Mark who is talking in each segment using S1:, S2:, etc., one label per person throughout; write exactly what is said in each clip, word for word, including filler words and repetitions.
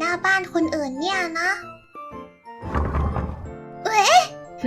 S1: หน้าบ้านคนอื่นเนี่ยนะเอ๊ะ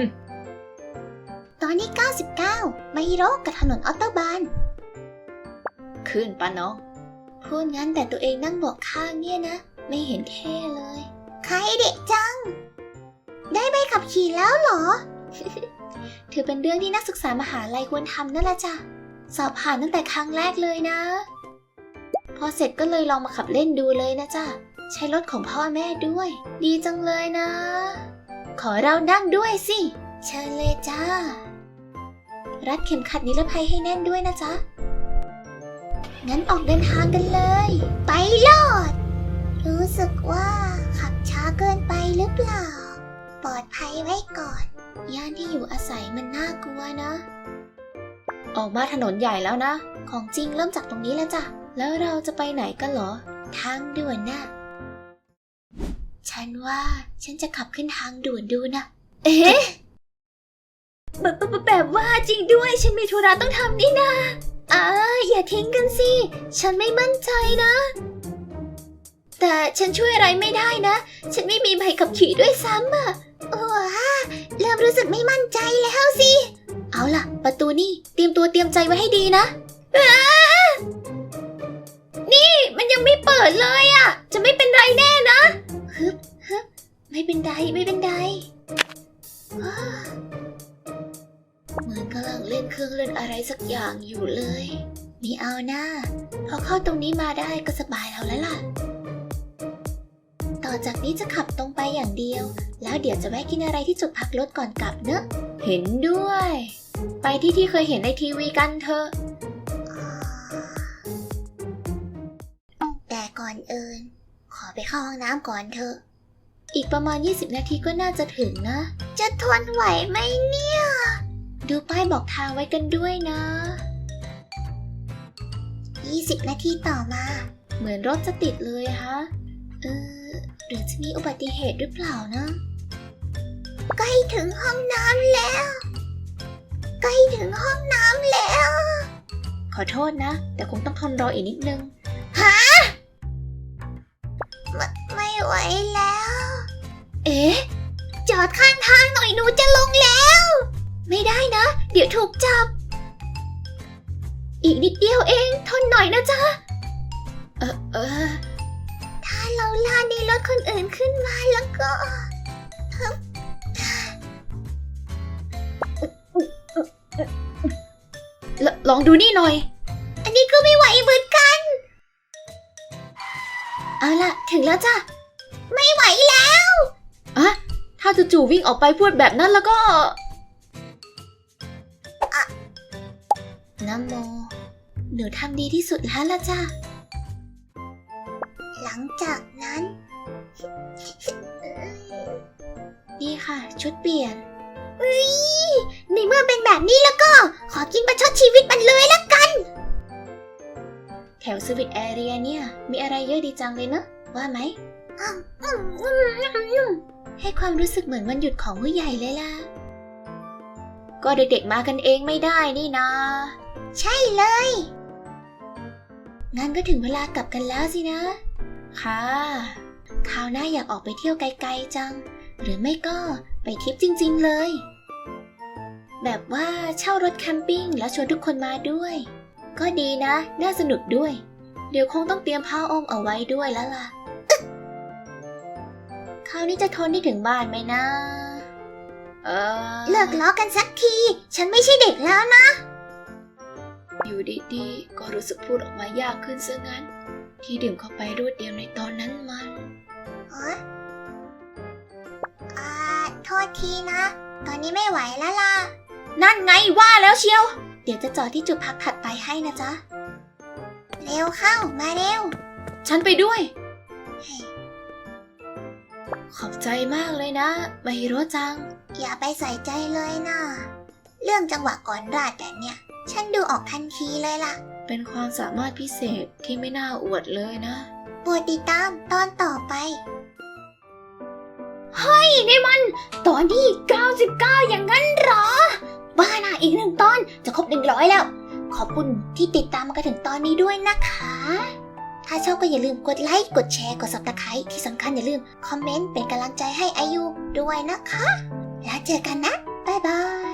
S1: ตอนที่เก้าสิบเก้าไมฮิโร่กับถนนออตโตบานขึ้นปะน้องพูดงั้นแต่ตัวเองนั่งเบาะข้างเนี่ยนะไม่เห็นเท่เลยใครเด็กจังได้ใบขับขี่แล้วเหรอ ถือเป็นเรื่องที่นักศึกษามหาลัยควรทำนั่นแหละจ้ะสอบผ่านตั้งแต่ครั้งแรกเลยนะพอเสร็จก็เลยลองมาขับเล่นดูเลยนะจ้ะใช้รถของพ่อแม่ด้วยดีจังเลยนะขอเรานั่งด้วยสิเชิญเลยจ้ารัดเข็มขัดนิรภัยให้แน่นด้วยนะจ๊ะงั้นออกเดินทางกันเลยไปโลดรู้สึกว่าขับช้าเกินไปหรือเปล่าปลอดภัยไว้ก่อนย่านที่อยู่อาศัยมันน่ากลัวนะออกมาถนนใหญ่แล้วนะของจริงเริ่มจากตรงนี้แล้วจ้ะแล้วเราจะไปไหนกันเหรอทางด่วนน่ะฉันว่าฉันจะขับขึ้นทางด่วนดูนะเอ๊ะแบบแบบว่าจริงด้วยฉันมีธุระต้องทำนี่นาอ่าอย่าทิ้งกันสิฉันไม่มั่นใจนะแต่ฉันช่วยอะไรไม่ได้นะฉันไม่มีใบขับขี่ด้วยซ้ำอ่ะโอ้ฮ่าเริ่มรู้สึกไม่มั่นใจแล้วสิเอาล่ะประตูนี่เตรียมตัวเตรียมใจไว้ให้ดีนะนี่มันยังไม่เปิดเลยอ่ะจะไม่เป็นไรแน่นะฮึบฮึบไม่เป็นไรไม่เป็นไรเหมือนกำลังเล่นเครื่องเล่นอะไรสักอย่างอยู่เลยมีเอาหน้าพอเข้าตรงนี้มาได้ก็สบายแล้วแล้วล่ะต่อจากนี้จะขับตรงไปอย่างเดียวแล้วเดี๋ยวจะแวะกินอะไรที่จุดพักรถก่อนกลับเนอะเห็นด้วยไปที่ที่เคยเห็นในทีวีกันเถอะแต่ก่อนอื่นขอไปเข้าห้องน้ำก่อนเถอะอีกประมาณยี่สิบนาทีก็น่าจะถึงนะจะทนไหวไหมเนี่ยดูป้ายบอกทางไว้กันด้วยนะยี่สิบนาทีต่อมาเหมือนรถจะติดเลยฮะเออหรือจะมีอุบัติเหตุหรือเปล่านะใกล้ถึงห้องน้ำแล้วใกล้ถึงห้องน้ำแล้วขอโทษนะแต่คงต้องทนรออีกนิดนึงฮะไม่ไม่ไหวแล้วเอ๊ะจอดข้างทางหน่อยหนูจะลงแล้วไม่ได้นะเดี๋ยวถูกจับอีกนิดเดียวเองทนหน่อยนะจ๊ะเออเออถ้าเราลาในรถคนอื่นขึ้นมาแล้วก็ล, ลองดูนี่หน่อยอันนี้ก็ไม่ไหวเหมือนกันเอาล่ะถึงแล้วจ้ะไม่ไหวแล้วอะถ้าจู่ๆวิ่งออกไปพูดแบบนั้นแล้วก็นะโมหนูทำดีที่สุดแล้วล่ะจ้ะหลังจากนั้นนี่ค่ะชุดเปลี่ยนอุ๊ยในเมื่อเป็นแบบนี้แล้วก็ขอกินประชดชีวิตมันเลยละกันแถวสวิตแอเรียเนี่ยมีอะไรเยอะดีจังเลยเนอะว่าไหมให้ความรู้สึกเหมือนวันหยุดของผู้ใหญ่เลยล่ะก็เด็กๆมากันเองไม่ได้นี่นะใช่เลยงั้นก็ถึงเวลากลับกันแล้วสินะค่ะคราวหน้าอยากออกไปเที่ยวไกลๆจังหรือไม่ก็ไปทริปจริงๆเลยแบบว่าเช่ารถแคมปิ้งแล้วชวนทุกคนมาด้วยก็ดีนะน่าสนุกด้วยเดี๋ยวคงต้องเตรียมผ้าอ้อมเอาไว้ด้วยแล้วล่ะคราวนี้จะทนได้ถึงบ้านไหมนะเออเลิกล้อกันสักทีฉันไม่ใช่เด็กแล้วนะอยู่ดีๆก็รู้สึกพูดออกมายากขึ้นซะงั้นที่ดื่มเข้าไปรวดเดียวในตอนนั้นมันเอออ่าโทษทีนะตอนนี้ไม่ไหวแล้วล่ะนั่นไงว่าแล้วเชียวเดี๋ยวจะจอดที่จุดพักถัดไปให้นะจ๊ะเร็วเข้ามาเร็วฉันไปด้วยขอบใจมากเลยนะไมฮิโร่จังอย่าไปใส่ใจเลยนะเรื่องจังหวะก่อนราดแบบเนี้ยฉันดูออกทันทีเลยล่ะเป็นความสามารถพิเศษที่ไม่น่าอวดเลยนะโปรดติดตามตอนต่อไปเฮ้ยนี่มันตอนที่เก้าสิบเก้าอย่างนั้นเหรอบ้าน่ะอีกหนึ่งตอนจะครบหนึ่งร้อยแล้วขอบคุณที่ติดตามมากันถึงตอนนี้ด้วยนะคะถ้าชอบก็อย่าลืมกดไลค์ กดแชร์ กด ซับสไครบ์ ที่สำคัญอย่าลืมคอมเมนต์เป็นกำลังใจให้อายุด้วยนะคะ แล้วเจอกันนะ บ๊ายบาย